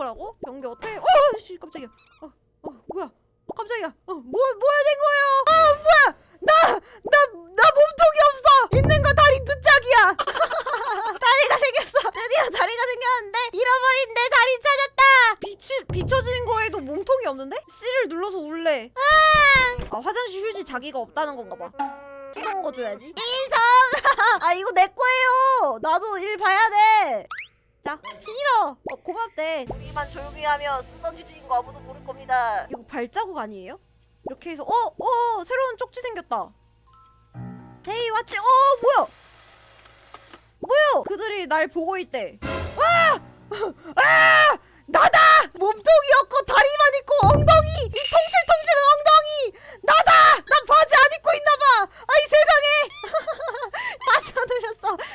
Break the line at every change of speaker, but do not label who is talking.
뭐라고? 변기 어떻게? 씨 깜짝이야. 뭐야? 깜짝이야. 뭐야 된 거예요? 뭐야? 나 몸통이 없어. 있는 거 다리 두 짝이야. 다리가 생겼어. 드디어 다리가 생겼는데 잃어버린 내 다리 찾았다. 비춰지는 거에도 몸통이 없는데? C를 눌러서 울래. 화장실 휴지 자기가 없다는 건가 봐. 쓰던 거 줘야지. 인성! 이거 내 거예요. 나도 일 봐야 돼. 자, 싫어. 고맙대. 우리만 조용히 하면 쓰던 휴지인 거 아무도 모를 겁니다. 이거 발자국 아니에요? 이렇게 해서 새로운 쪽지 생겼다. 헤이 왓츠. 뭐야? 그들이 날 보고 있대. 나다! 몸통이 없고 다리만 있고 엉덩이! 이 통실통실한 엉덩이! 나다! 난 바지 안 입고 있나봐! 아이 세상에! 바지 안 흘렸어.